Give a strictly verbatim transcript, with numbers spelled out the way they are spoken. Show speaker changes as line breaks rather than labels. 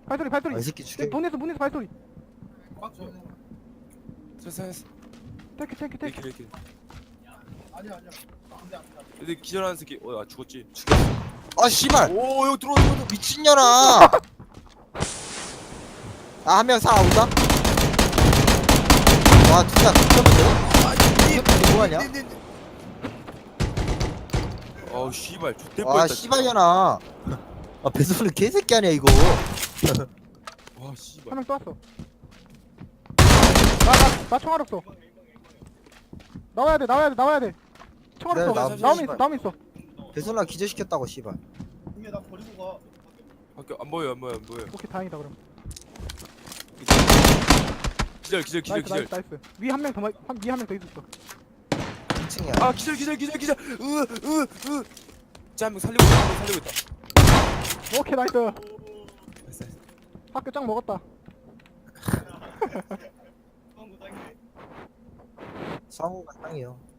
발소리 발소리.
아, 이 새끼 죽여.
문에서 문에서 발소리.
됐어 됐어.
탱크 탱크 탱크.
이렇게 이렇게. 근데 기절하는 새끼. 어, 아 죽었지.
아 씨발.
오, 여기 들어와 들어와.
미친년아. 아, 한 명 살아온다. 와, 진짜 미쳤는데? 이게 뭐하냐?
어, 씨발. 죽될
와,
뻔했다.
씨발년아. 아, 배소는 개새끼 아니야 이거.
와, 씨발.
한 명 또 왔어. 나나나 총알 없어. 나와야 돼 나와야 돼 나와야 돼. 총알
네,
없어.
나-
나오면 있어
씨발.
나오면 있어.
배소나 기절시켰다고 씨발.
밖에 안 보여 안 보여 안 보여.
오케이 다행이다 그럼.
기절 기절 기절
나이스
기절.
나이스 나이스. 위 한 명 더 위 한 명 더 있었어.
이 층이야.
아, 기절 기절 기절 기절. 으으으. 자, 한명 살리고 있다. 한명 살리고 있다.
오케이 나이스.
됐어, 됐어.
학교 짱 먹었다.
상호가 짱이요.